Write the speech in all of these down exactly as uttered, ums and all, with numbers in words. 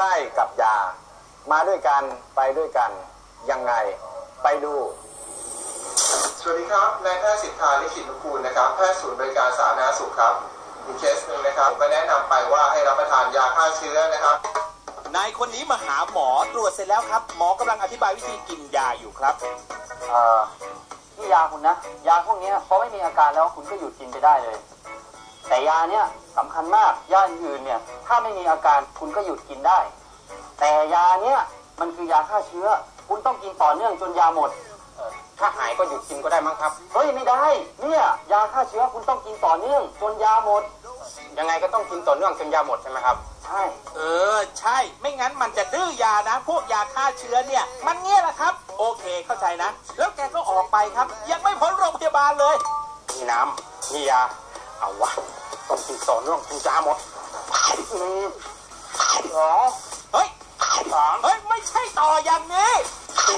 ล้กับยามาด้วยกันไปด้วยกันยังไงไปดูสวัสดีครับนายแพทย์สิทธาลิขิตนุกูลนะครับแพทย์ศูนย์บริการสาธารณสุขครับมีเคสหนึ่งนะครับก็แนะนำไปว่าให้รับประทานยาฆ่าเชื้อนะครับนายคนนี้มาหาหมอตรวจเสร็จแล้วครับหมอกำลังอธิบายวิธีกินยาอยู่ครับเอ่อนี่ยาคุณนะยาพวกนี้พอไม่มีอาการแล้วคุณก็หยุดกินไปได้เลยแต่ยาเนี้ยสำคัญมากยาอื่นเนี่ยถ้าไม่มีอาการคุณก็หยุดกินได้แต่ยาเนี้ยมันคือยาฆ่าเชื้อคุณต้องกินต่อเนื่องจนยาหมดถ้าหายก็หยุดกินก็ได้มั้งครับเฮ้ยไม่ได้เนี่ยยาฆ่าเชื้อคุณต้องกินต่อเนื่องจนยาหมดยังไงก็ต้องกินต่อเนื่องจนยาหมดใช่ไหมครับใช่เออใช่ไม่งั้นมันจะดื้อยานะพวกยาฆ่าเชื้อเนี่ยมันเงี้ยแหละครับโอเคเข้าใจนะแล้วแกก็ออกไปครับยังไม่พ้นโรงพยาบาลเลยมีน้ำมียาเอาวะต้องกินต่อเนื่องจนยาหมดหนึ่งสองเฮ้ยสามเฮ้ยไม่ใช่ต่ออย่างนี้สี่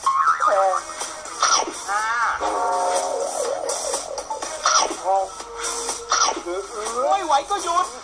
ห้าหกไม่ไหวก็หยุด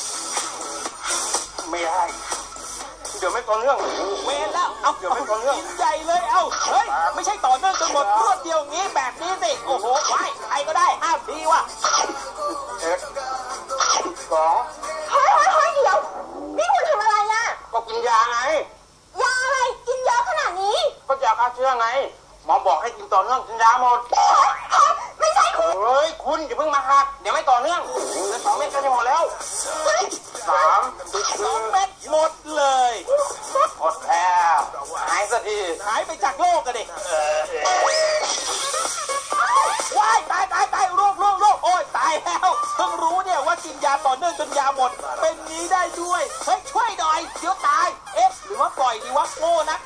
ไม่ได้เดี๋ยวไม่ต่อเนื่องเวรแล้วเอาเดี๋ยวไม่ต่อเนื่องกินใหญ่เลยเอาเฮ้ยไม่ใช่ต่อเนื่องจนหมดรวดเดียวงี้แบบนี้สิโอ้โหไว้ใครก็ได้ห้ามทีว่ะเอ็ดสองเฮ้ยเฮ้ยเฮ้ยเดี๋ยวนี่คุณทำอะไรอ่ะก็กินยาไงยาอะไรกินเยอะขนาดนี้ก็ยาฆ่าเชื้อไงหมอบอกให้กินต่อเนื่องจนยาหมดไม่ใช่คุณเฮ้ยคุณอย่าเพิ่งมาหักเดี๋ยวไม่ต่อเนื่องแล้วสองเม็ดก็จะหมดแล้วสามสองเม็ดหมดเลยหมดแล้วหายสักทีหายไปจากโลกกันดิว้ายตายตายตายโรคโรคโรคโอ้ยตายแล้วเพิ่งรู้เนี่ยว่ากินยาต่อเนื่องจนยาหมดเป็นนี้ได้ด้วยเฮ้ยช่วยหน่อยเดี๋ยวตายเอ๊ะหรือว่าปล่อยดีวะโง่นัก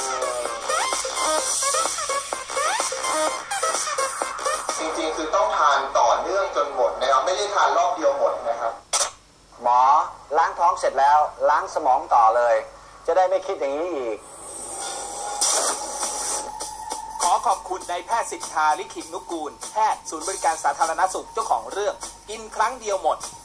จริงๆคือต้องทานต่อเนื่องจนหมดนะครับไม่ได้ทานรอบเดียวหมดนะครับหมอล้างท้องเสร็จแล้วล้างสมองต่อเลยจะได้ไม่คิดอย่างนี้อีกขอขอบคุณนายแพทย์สิทธาลิขิตนุกูลแพทย์ศูนย์บริการสาธารณสุขเจ้าของเรื่องกินครั้งเดียวหมด